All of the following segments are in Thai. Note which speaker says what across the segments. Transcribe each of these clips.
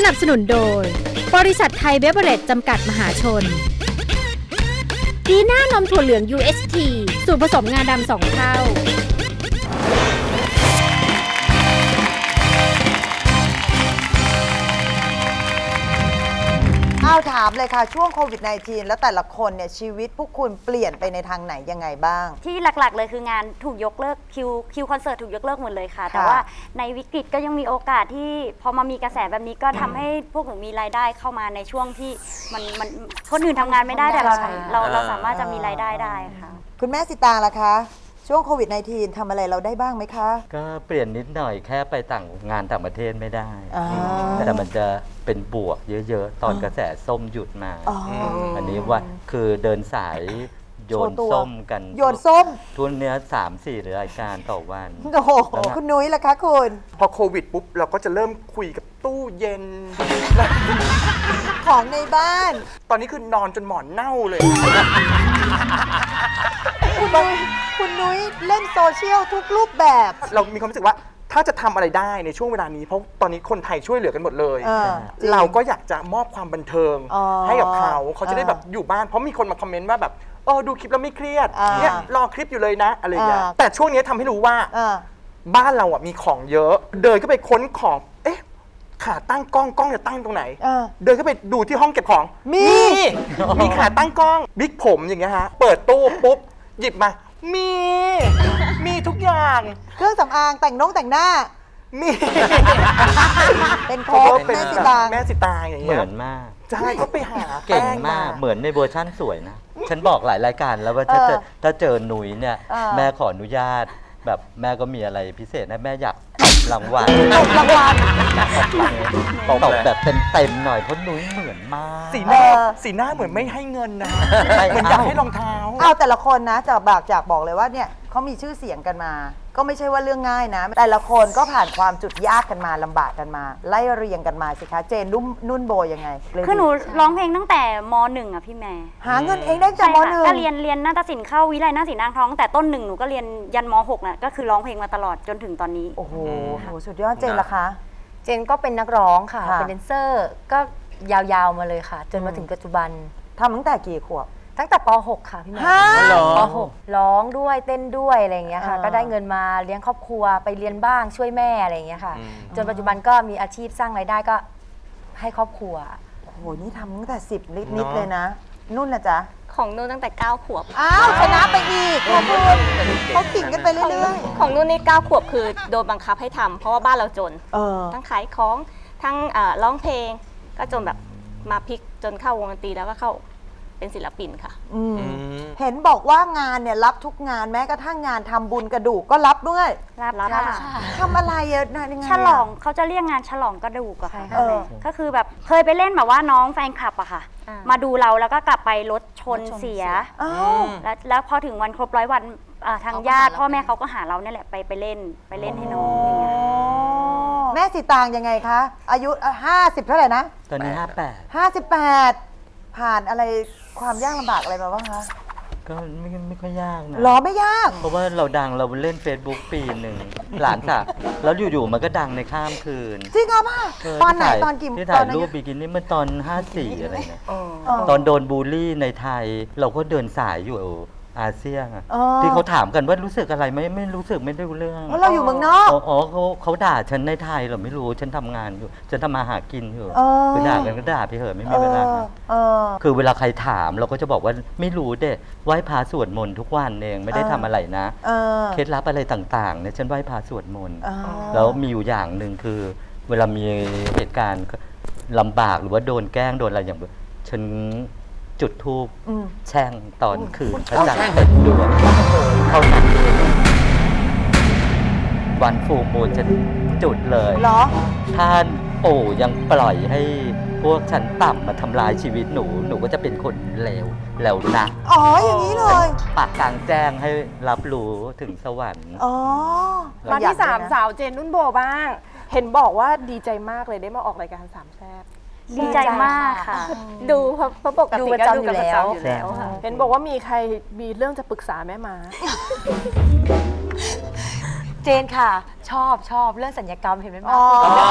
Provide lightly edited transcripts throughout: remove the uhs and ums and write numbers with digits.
Speaker 1: นับสนุนโดยบริษัทไทยเบเวอเรจจำกัดมหาชนดีน่านมถั่วเหลือง UHT สูตรผสมงาดำ2 เท่า
Speaker 2: เอาถามเลยค่ะช่วงโควิด -19 แล้วแต่ละคนเนี่ยชีวิตพวกคุณเปลี่ยนไปในทางไหนยังไงบ้าง
Speaker 3: ที่หลักๆเลยคืองานถูกยกเลิกคิวคอนเสิร์ตถูกยกเลิกหมดเลยค่ะ แต่ว่าในวิกฤตก็ยังมีโอกาสที่พอมามีกระแสแบบนี้ก็ทำให้พวกหนูมีรายได้เข้ามาในช่วงที่มันคนอื่นทำงานไม่ได้แต่เราสามารถจะมีรายได้ได้ค่ะ
Speaker 2: คุณแม่สิตางล่ะคะช่วงโควิด -19 ทำอะไรเราได้บ้างไหมคะ
Speaker 4: ก็เปลี่ยนนิดหน่อยแค่ไปงานต่างประเทศไม่ได้
Speaker 2: แต่
Speaker 4: แต่มันจะเป็นบวกเยอะๆ ตอนกระแสส้มหยุดมา อันนี้ว่าคือเดินสายโยนส้มกัน
Speaker 2: โยนส้ม
Speaker 4: ทุนเนื้อ3-4 รายการต่อวัน
Speaker 2: โอ้โหคุณนุ้ยล่ะคะคุณ
Speaker 5: พอโควิดปุ๊บเราก็จะเริ่มคุยกับตู้เย็น
Speaker 2: ของในบ้าน
Speaker 5: ตอนนี้คือนอนจนหมอนเน่าเลย
Speaker 2: คุณนุ้ยเล่นโซเชียลทุกรูปแบบ
Speaker 5: เรามีความรู้สึกว่าถ้าจะทำอะไรได้ในช่วงเวลานี้เพราะตอนนี้คนไทยช่วยเหลือกันหมดเลย
Speaker 2: จริง
Speaker 5: เราก็อยากจะมอบความบันเทิง
Speaker 2: อ๋อ
Speaker 5: ให้กับเขาจะได้แบบอยู่บ้านเพราะมีคนมาคอมเมนต์ว่าแบบดูคลิปแล้วไม่เครียดเนี่ยรอคลิปอยู่เลยนะอะไรอย่างเงี้ยแต่ช่วงนี้ทำให้รู้ว่า บ้านเราอ่ะมีของเยอะ เดินเข้าไปค้นของขาตั้งกล้องจะตั้งตรงไหน เดินเข้าไปดูที่ห้องเก็บของมีขาตั้งกล้องบิ๊กผมอย่างเงี้ยฮะเปิดตู้ปุ๊บหยิบมามีทุกอย่าง
Speaker 2: เครื่องสำอางแต่งหน้า
Speaker 5: มี
Speaker 2: เป็นโค้ดแม่สิตาง
Speaker 5: แม่สิตางอย่าง
Speaker 4: เห
Speaker 5: เงี้
Speaker 4: มื
Speaker 5: ย
Speaker 4: อนมาก
Speaker 5: ใช่ก็ไปหา
Speaker 4: เก่ง
Speaker 5: แป้
Speaker 4: มากเหมือนในเวอร์ชั่นสวยนะ ฉันบอกหลายรายการแล้วว่าถ้าเจอหนุ่ยเนี่ยแม่ขออนุญาตแบบแม่ก็มีอะไรพิเศษนะแม่อยากตบรางวัลตบแบบเต็มๆหน่อยเพราะหนุ่ยเหมือนมาก
Speaker 5: สีหน้าเหมือนไม่ให้เงินนะเหมือนอยากให้รองเท้า
Speaker 2: เอาแต่ละคนนะจากบอกเลยว่าเนี่ยเขามีชื่อเสียงกันมา ก็ไม่ใช่ว่าเรื่องง่ายนะ แต่ละคนก็ผ่านความจุดยากกันมาลำบากกันมา ไล่เรียงกันมาสิคะเจนนุ่นโบยังไงเลย
Speaker 3: คือหนูร้องเพลงตั้งแต่ม .1 อ่ะพี่แม่
Speaker 2: หาเงินเองได้จากม
Speaker 3: ใช่ค่ะ
Speaker 2: .1
Speaker 3: ก็เรียนนาฏศิลป์เข้าวิไลนาฏศิลป์อ่างทองแต่ต้นหนึ่งหนูก็เรียนยันม .6 น่ะก็คือร้องเพลงมาตลอดจนถึงตอนนี้
Speaker 2: โอ้โหสุดยอดเจนล่ะคะ
Speaker 6: เจนก็เป็นนักร้องค่ะ
Speaker 2: ค่ะ
Speaker 6: เป็นแดนเซอร์ก็ยาวๆมาเลยค่ะ จนมาถึงปัจจุบัน
Speaker 2: ทำตั้งแต่กี่ขวบ
Speaker 6: ตั้งแต่ป .6 ค่ะพี่แม่
Speaker 2: ฮะ
Speaker 6: ป .6 ร้องด้วยเต้นด้วยอะไรอย่างเงี้ยค่ะ ก็ได้เงินมาเลี้ยงครอบครัวไปเรียนบ้างช่วยแม่อะไรอย่างเงี้ยค่ะ จนปัจจุบันก็มีอาชีพสร้างรายได้ก็ให้ครอบครัว
Speaker 2: โอ้โหนี่ทำตั้งแต่10นิดเลยนะ นุ่นนะจ๊ะ
Speaker 7: ของนุ่นตั้งแต่ 9 ขวบ
Speaker 2: อ้าวชนะไปอีกขอบคุณเขาขิงกันไปเรื่อย
Speaker 7: ของนุ่นนี่ 9 ขวบคือโดนบังคับให้ทำเพราะว่าบ้านเราจน
Speaker 2: ๆ
Speaker 7: ทั้งขายของทั้งร้องเพลง ก็จนแบบมาพลิกจนเข้าวงดนตรีแล้วก็เข้าเป็นศิลปินค่ะ
Speaker 2: เห็นบอกว่างานเนี่ยรับทุกงานแม้กระทั่งงานทำบุญกระดูกก็รับด้วย
Speaker 3: รับค่ะ
Speaker 2: ทำอะไรอะยังไง
Speaker 3: ฉลองเขาจะเรียกงานฉลองกระดูกอะค่ะ
Speaker 2: เออ
Speaker 3: ก็คือแบบเคยไปเล่นแบบว่าน้องแฟนคลับอะค่ะ
Speaker 7: อ่า
Speaker 3: มาดูเราแล้วก็กลับไปรถชนเสีย
Speaker 2: อ้าว
Speaker 3: แล้วพอถึงวันครบ100 วันทางญาติพ่อแม่เขาก็หาเราเนี่ยแหละไปเล่นให้น้องอย่างเงี้ย
Speaker 2: แม่สีตางยังไงคะ อายุ50เท่าไหร่นะ
Speaker 4: ตอนนี้
Speaker 2: 58 ผ่านอะไรความยากลำบากอะไรมาบ้างคะ
Speaker 4: 58 ก็ไม่ค่อยยากนะ
Speaker 2: หรอไม่ยาก
Speaker 4: เพราะว่าเราดังเราเล่น Facebook ปีหนึ่งหลานสาวแล้วอยู่ๆมันก็ดังในข้ามคืน
Speaker 2: จริงเหรอป่ะ
Speaker 4: เ
Speaker 2: ตอนไหน
Speaker 4: ที่าย
Speaker 2: ตอนกี่
Speaker 4: ที่
Speaker 2: ต
Speaker 4: ถ่า
Speaker 2: อย นนั้น
Speaker 4: รูปบิกินี่เมื่อตอน 54 อะไรเนี่ย
Speaker 2: เออ
Speaker 4: ตอนโดนบูลลี่ในไทย เราก็เดินสายอยู่อาเซียนอะ
Speaker 2: อ๋อ
Speaker 4: ที่เขาถามกันว่ารู้สึกอะไรไหมไม่รู้สึกไม่ได้รู้เรื่อง
Speaker 2: เพราะเราอยู่เมืองนอก
Speaker 4: อ๋อเขาด่าฉันในไทยเหรอไม่รู้ฉันทำงานอยู่ฉันทำมาหากินอยู่
Speaker 2: เออ
Speaker 4: คือด่ากันก็ด่าไปเถอะไม่
Speaker 2: เอ
Speaker 4: มีเวลา
Speaker 2: อ
Speaker 4: คือเวลาใครถามเราก็จะบอกว่าไม่รู้เด้ไหว้พระสวดมนต์ทุกวันเองไม่ได้ทำอะไรนะ
Speaker 2: เออ
Speaker 4: เคล็ดลับอะไรต่างๆเนี่ยฉันไหว้พระสวดมนต์
Speaker 2: อ๋อ
Speaker 4: แล้วมีอยู่อย่างหนึ่งคือ เวลามีเหตุการณ์ลำบากหรือว่าโดนแกล้งโดนอะไรอย่างฉันจุดธูปแช่งตอนคืนพระจันทร์เต็มดวงเท่านั้นเองวันฟูมูลฉันจุดเลย
Speaker 2: เหรอ
Speaker 4: ท่านปู่ยังปล่อยให้พวกชั้นต่ำมาทำลายชีวิตหนูก็จะเป็นคนเลวแล้วนะ
Speaker 2: อ๋ออย่างนี้เลย
Speaker 4: ปากกลางแจ้งให้รับรู้ถึงสวรรค์
Speaker 2: อ๋อ
Speaker 8: มาที่
Speaker 2: เรอยก
Speaker 8: 3 สาวเจนนุ่นโบบ้าง เห็นบอกว่าดีใจมากเลยได้มาออกรายการสามแซ่บ
Speaker 3: ดีใจมากค่ะ
Speaker 7: ดูเพราะปกติ
Speaker 6: ดู
Speaker 7: ก็
Speaker 6: ประจำ
Speaker 7: ดูกัน
Speaker 6: อยู่
Speaker 7: ประ
Speaker 6: แล้ว
Speaker 7: จำอยู่แล้วค่ะ
Speaker 8: เห็นบอกว่ามีใครมีเรื่องจะปรึกษาแม่มา
Speaker 7: จ
Speaker 6: เจนค่ะ ชอบเรื่องสัญญกรรมเห็นไหม
Speaker 2: อ๋อ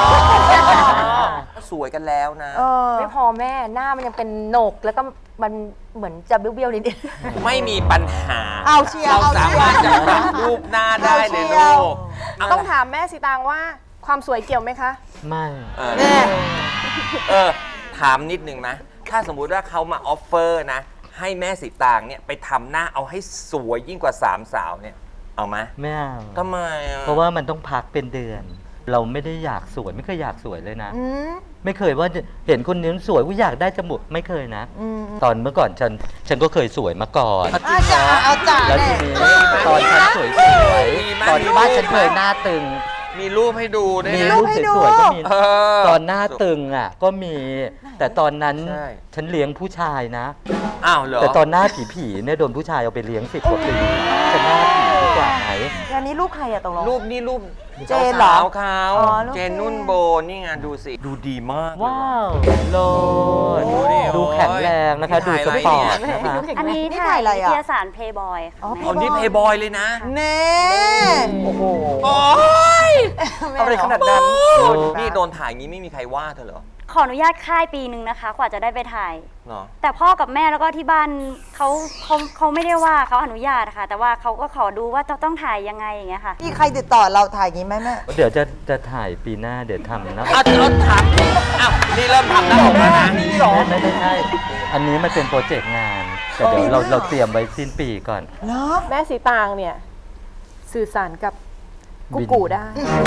Speaker 9: สวยกันแล้วนะ
Speaker 6: ไม่พอแม่หน้ามันยังเป็นโหนกแล้วก็มันเหมือนจะเบี้ยวๆนิดนึง
Speaker 9: ไม่มีปัญหา
Speaker 2: เอาเชียร์
Speaker 9: เรา
Speaker 2: เอาเชี
Speaker 9: สาย
Speaker 2: ร์
Speaker 9: มารถจะปรับรูปหน้าได้เลย
Speaker 2: เอาเชียร์
Speaker 9: ลูกเา
Speaker 8: ต้องถามแม่สีตางว่าความสวยเกี่ยวไหมคะ
Speaker 4: ไม่
Speaker 9: เออ
Speaker 2: แน่
Speaker 9: ถามนิดนึงนะ ถ้าสมมุติว่าเขามาออฟเฟอร์นะ ให้แม่สีตางเนี่ยไปทำหน้าเอาให้สวยยิ่งกว่า3สาวเนี่ย เอาไหม
Speaker 4: ไม่เอา
Speaker 9: ทำไมอ่ะ
Speaker 4: เพราะว่ามันต้องพักเป็นเดือน เราไม่ได้อยากสวยไม่เคยอยากสวยเลยนะ ไม่เคยว่าเห็นคนนี้สวยว่าอยากได้จมูกไม่เคยนะ ตอนเมื่อก่อนฉันก็เคยสวยมาก่อน
Speaker 2: เอาจ่าเอาจ่า
Speaker 4: แล้ว
Speaker 2: แน่
Speaker 4: ทีนี้ตอนฉันสวยๆตอนที่บ้านฉันเคยหน้าตึง
Speaker 9: มีรูปให้ดูด้วย
Speaker 4: มี
Speaker 9: นะ
Speaker 4: รูปสวยๆก็มี
Speaker 9: เออ
Speaker 4: ตอนหน้าตึงอ่ะก็มี แต่ตอนนั้น
Speaker 9: ใช่
Speaker 4: ฉันเลี้ยงผู้ชายนะ
Speaker 9: อ้าวเหรอ
Speaker 4: แต่ตอนหน้าผีๆเนี่ยโดนผู้ชายเอาไปเลี้ยง10 กว่าปีฉันหน้าผีดีกว่าไหม
Speaker 2: อันนี้ลูกใครอะตกลง
Speaker 9: รูปนี่รูป
Speaker 2: เจนเหรอ
Speaker 9: สาวๆเขา
Speaker 2: อ๋อรูป
Speaker 9: เจนนุ่นโบนี่ไงดูสิ ดูดีมากเลย
Speaker 4: ว้าวโลด
Speaker 9: โอ้ดิ
Speaker 4: ดูแข็งแรงนะคะ ดูสปอร์ต
Speaker 9: นี่
Speaker 4: นะคะ
Speaker 3: อันนี้
Speaker 2: นี่
Speaker 3: ถ่าย
Speaker 2: ถ่ายอะไร
Speaker 3: นิ
Speaker 2: อะ
Speaker 3: ตยสาร Playboy ค่ะ
Speaker 2: อ๋อ
Speaker 3: แม่
Speaker 9: คนที่เพย์บอยเลยนะ
Speaker 2: เน่โอ้โห
Speaker 9: โอ้ย
Speaker 5: อะไรขนาดนั้น
Speaker 9: นี่โดนถ่ายงี้ไม่มีใครว่าเธอเหรอ
Speaker 3: ขออนุญาตค่ายปีหนึ่งนะคะ กว่าจะได้ไปถ่าย
Speaker 9: เหรอ
Speaker 3: แต่พ่อกับแม่แล้วก็ที่บ้านเขาไม่ได้ว่าเขาอนุญาตค่ะ แต่ว่าเขาก็ขอดูว่าจะต้องถ่ายยังไงอย่างเงี้ยค่ะ
Speaker 2: มีใครติดต่อเราถ่ายอย่างนี้ไหมแม่
Speaker 4: เดี๋ยวจะถ่ายปีหน้าเดี๋ยวทำนะ
Speaker 9: อ้าวเราถามอ้าวนี่เริ่มทำหน้าอกแล้วนะ
Speaker 4: ไม่ใช่ อันนี้มันเป็นโปรเจกต์งาน แต่เดี๋ยวเราเตรียมไว้สิ้นปีก่อน
Speaker 2: เนาะ
Speaker 8: แม่สีตางเนี่ยสื่อสารกับกุ๊กกูได้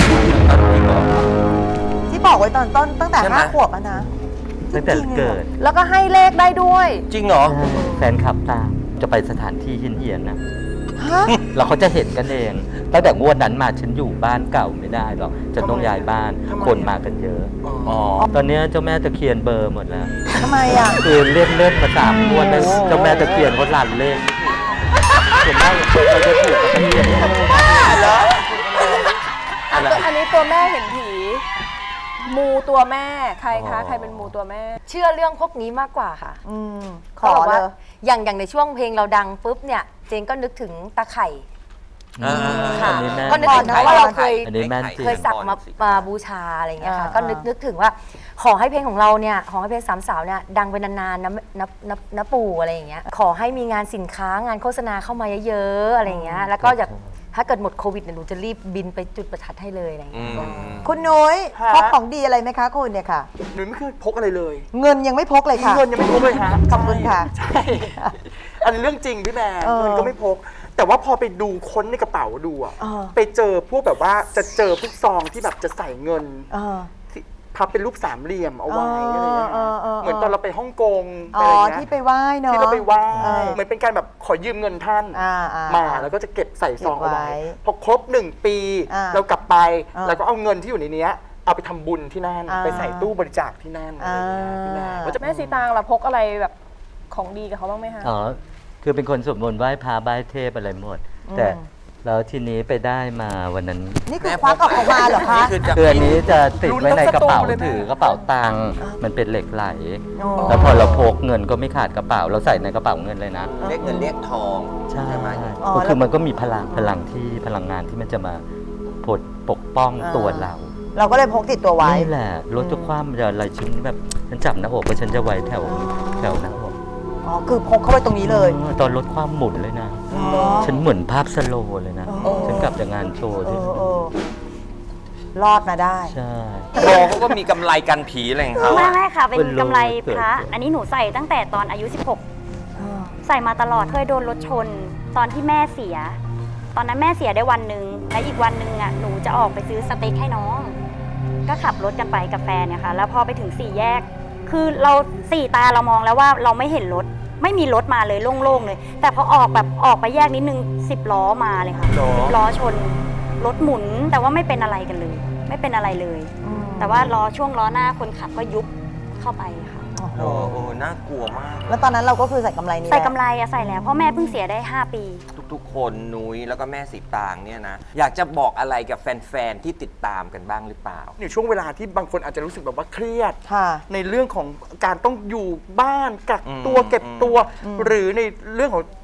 Speaker 2: ที่บอกไว้ตอนต้นตั้งแต่
Speaker 9: ใช่ไหม
Speaker 2: 5 ขวบอะนะ
Speaker 4: ตั้งแต่เกิด
Speaker 8: แล้วก็ให้เลขได้ด้วย
Speaker 9: จริงเหรอ
Speaker 4: แฟนคลับตามจะไปสถานที่เฮี้ยนๆนะ
Speaker 2: ฮะ
Speaker 4: แล้วเขาจะเห็นกันเอง ตั้งแต่งวดนั้นมาฉันอยู่บ้านเก่าไม่ได้หรอกฉันต้องย้ายบ้าน คนมากันเยอะ
Speaker 9: อ๋อ
Speaker 4: ตอนนี้เจ้าแม่ตะเคียนเบอร์หมดแล้ว
Speaker 2: ทำไมอะ
Speaker 4: คือเล่นมา3 งวดแล้วเจ้าแม่ตะเคียนเขาหลั่นเลขส่วนมากเราจะถูกกับตะเคียน
Speaker 8: อันนี้ตัวแม่เห็นผี มูตัวแม่ใครคะใครเป็นมูตัวแม่
Speaker 6: เชื่อเรื่องพวกนี้มากกว่าค่ะ
Speaker 2: ขอ
Speaker 6: ขาบก
Speaker 2: เล
Speaker 6: ว่าย อย่างในช่วงเพลงเราดังปุ๊บเนี่ยเจนก็นึกถึงตาไข่ ค่ะ
Speaker 4: อันนี้แม่
Speaker 6: ก็นึกถึงเพราะว่าเราเคย
Speaker 4: อันนี้แม่นจริง
Speaker 6: เคยสักมาบูชาอะไรอย่างเงี้ยค่ะ ก็นึกถึงว่าขอให้เพลงของเราเนี่ยขอให้เพลงสามสาวเนี่ยดังไปนานๆนะปู่อะไรอย่างเงี้ยขอให้มีงานสินค้างานโฆษณาเข้ามาเยอะๆอะไรอย่างเงี้ยแล้วก็อยากถ้าเกิดหมดโควิดเนี่ยหนูจะรีบบินไปจุดประทัดให้เลยอะไรอย่างเงี้ย
Speaker 2: คุณนุ้ย
Speaker 5: ฮะ
Speaker 2: พกของดีอะไรไหมคะคุณเนี่ยค่ะ
Speaker 5: หนูไม่เคยพกอะไรเลย
Speaker 2: เงินยังไม่พกเลยค่ะ
Speaker 5: เงินยังไม่พกเลยฮะ
Speaker 2: ขอบคุณค่ะ
Speaker 5: ใช่ อันนี้เรื่องจริงพี่แม่
Speaker 2: เออ
Speaker 5: เงินก็ไม่พก แต่ว่าพอไปดูค้นในกระเป๋าดูอะ
Speaker 2: เออ
Speaker 5: ไปเจอพวกแบบว่าจะเจอพวกซองที่แบบจะใส่เงิน
Speaker 2: เออ
Speaker 5: ที่พับเป็นรูปสามเหลี่ยมเอาไว้
Speaker 2: เออ
Speaker 5: อะไรอย่างเงี้ย
Speaker 2: เออเออ
Speaker 5: เหมือนตอนเราไปฮ่องกง
Speaker 2: อ๋
Speaker 5: ไป
Speaker 2: อ
Speaker 5: อะไรเงี้ย
Speaker 2: ที่ไปไหว้เนาะ
Speaker 5: ที่เราไปไหว้
Speaker 2: เออ
Speaker 5: เหมือนเป็นการแบบขอยืมเงินท่าน มาแล้วก็จะเก็บใส่ซองเอาไว้
Speaker 2: เก็บไว้
Speaker 5: พอครบ1 ปี
Speaker 2: อ่า
Speaker 5: เรากลับไป
Speaker 2: อ่า
Speaker 5: เราก็เอาเงินที่อยู่ในเนี้ยเอาไปทำบุญที่นั่น
Speaker 2: อ่า
Speaker 5: ไปใส่ตู้บริจาคที่นั่นอะไรอย่างเงี้ยพี่แม่ก็จะ
Speaker 8: แม่สีตางเราพกอะไรแบบของดีกับเขาบ้างไหมคะ
Speaker 4: อ๋อ คือเป็นคนสวดมนต์ไหว้พระไหว้เทพอะไรหมด แต่แล้วทีนี้ไปได้มาวันนั้น
Speaker 2: นี่คือควักออกมาเหรอคะ
Speaker 4: คืออันนี้จะติดไว้ในกระเป๋า
Speaker 5: ลุ้นทั้งสตูเลยแม่
Speaker 4: ถือกระเป๋าตังค์มันเป็นเหล็กไหล
Speaker 2: อ๋อ
Speaker 4: แล้วพอเราพกเงินก็ไม่ขาดกระเป๋า เราใส่ในกระเป๋าเงินเลยนะ
Speaker 9: เรียกเงินเรียกทอง
Speaker 4: ใช่
Speaker 9: ไหม
Speaker 2: อ๋อ
Speaker 4: ก็คือมันก็มีพลังที่พลังงานที่มันจะมาปกป้องตัวเรา
Speaker 2: เราก็เลยพกติดตัวไว้
Speaker 4: นี่แหละรถจะคว่ำจะอะไรฉันแบบฉันจับหน้าอกว่าฉันจะไว้แถวหน้าอก
Speaker 2: อ๋อ คือพกเข้าไปตรงนี้เลย
Speaker 4: ตอนรถคว่ำหมุนเลยนะ ฉันเหมือนภาพสโลว์เลยนะ ฉันกลับจากงานโชว์
Speaker 2: เอ
Speaker 4: ด้วย
Speaker 2: อรอดมาได้
Speaker 4: ใช่
Speaker 9: โบเขาก็มีกำไรกันผีอะไรของเขา
Speaker 3: ไม่
Speaker 9: อะ
Speaker 3: ไม่ค่ะ เป็น
Speaker 4: เป็นโล
Speaker 3: กำไร
Speaker 4: เกิด
Speaker 3: พระ อันนี้หนูใส่ตั้งแต่ตอนอายุ 16 ใส่มาตลอดเคยโดนรถชน ตอนที่แม่เสีย ตอนนั้นแม่เสียได้วันหนึ่งและอีกวันหนึ่งอ่ะหนูจะออกไปซื้อสเต็กให้น้อง ก็ขับรถกันไปกับแฟนเนี่ยค่ะแล้วพอไปถึง4 แยก คือเรา4 ตาเรามองแล้วว่าเราไม่เห็นรถ ไม่มีรถมาเลยโล่งๆเลย แต่พอออกไปแยกนิดนึง10 ล้อมาเลยค่ะ10 ล้อชนรถหมุนแต่ว่าไม่เป็นอะไรกันเลย ไม่เป็นอะไรเลย แต่ว่าช่วงล้อหน้าคนขับก็ยุบเข้าไปค่ะ
Speaker 9: โอ้โหน่ากลัวมาก
Speaker 2: แล้วตอนนั้นเราก็คือใส่กำไรนี้
Speaker 3: ใส่
Speaker 2: แหละ
Speaker 3: กำไรอะใส่แล้วเพราะแม่เพิ่งเสียได้5 ปี
Speaker 9: ทุกๆ คนนุ้ยแล้วก็แม่สีตางเนี่ยนะ อยากจะบอกอะไรกับแฟนๆ ที่ติดตามกันบ้างหรือเปล่า
Speaker 5: ในช่วงเวลาที่บางคนอาจจะรู้สึกแบบว่าเครียด
Speaker 2: ค่ะ
Speaker 5: ในเรื่องของการต้องอยู่บ้านกักตัว
Speaker 9: อืม
Speaker 5: เก็บตัว หรือในเรื่องของ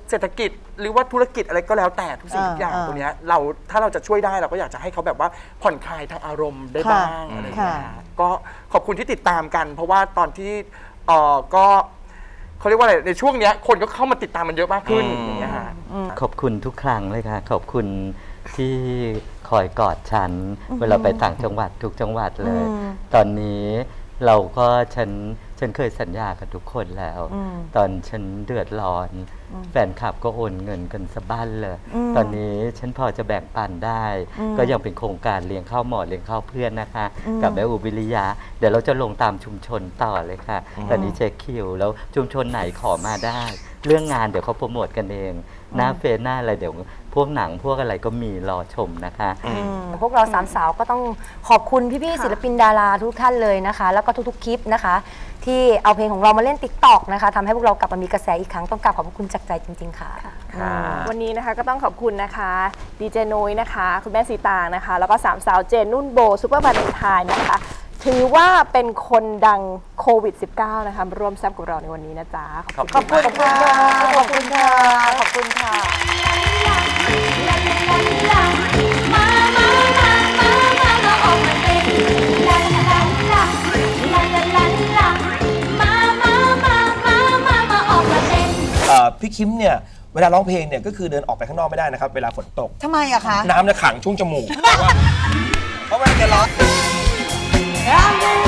Speaker 5: เศรษฐกิจหรือว่าธุรกิจอะไรก็แล้วแต่ทุกสิ่งทุกอย่างตรงเนี้ยถ้าเราจะช่วยได้เราก็อยากจะให้เขาแบบว่าผ่อนคลายทางอารมณ์ได้บ้างอะไรอย่างเงี้ยก็ขอบคุณที่ติดตามกัน เพราะว่าตอนที่ก็เขาเรียกว่าอะไรในช่วงเนี้ยคนก็เข้ามาติดตามมันเยอะมากขึ้นอย่างเงี้ยฮะ
Speaker 4: ขอบคุณทุกครั้งเลยค่ะ ขอบคุณที่คอยกอดฉัน เวลาไปต่างจังหวัดทุกจังหวัดเลย ตอนนี้เราก็ฉันเคยสัญญากับทุกคนแล้ว ตอนฉันเดือดร้อน แฟนคลับก็โอนเงินกันสะบั้นเลย ตอนนี้ฉันพอจะแบ่งปันได้ ก็ยังเป็นโครงการเลี้ยงข้าวหมอเลี้ยงข้าวเพื่อนนะคะ กับแม่อุบิริยา เดี๋ยวเราจะลงตามชุมชนต่อเลยค่ะ ตอนนี้เช็คคิว แล้วชุมชนไหนขอมาได้ เรื่องงานเดี๋ยวเขาโปรโมทกันเอง หน้าเฟซหน้าอะไรเดี๋ยวพวกหนังพวกอะไรก็มีรอชมนะคะ
Speaker 6: พวกเราสามสาวก็ต้องขอบคุณพี่ๆศิลปินดาราทุกท่านเลยนะคะ แล้วก็ทุกๆคลิปนะคะ ที่เอาเพลงของเรามาเล่น TikTok นะคะทำให้พวกเรากลับมามีกระแสอีกครั้งต้องกราบขอบคุณจากใจจริงๆค่ะ
Speaker 8: วันนี้นะคะก็ต้องขอบคุณนะคะดีเจนุ้ยนะคะคุณแม่สีตางนะคะแล้วก็สามสาวเจนนุ่นโบซุปเปอร์วาเลนไทน์นะคะถือว่าเป็นคนดังโควิด -19 นะคะมาร่วมแซ่บกับเราในวันนี้นะจ๊ะ
Speaker 2: ขอบคุณค่ะขอบคุณค่ะขอบคุณค่ะ
Speaker 10: พี่คิมเนี่ยเวลาร้องเพลงเนี่ยก็คือเดินออกไปข้างนอกไม่ได้นะครับเวลาฝนตก
Speaker 2: ทำไมอะคะ
Speaker 10: น้ำจะขังช่วงจมูกเพราะว่าแกร้อง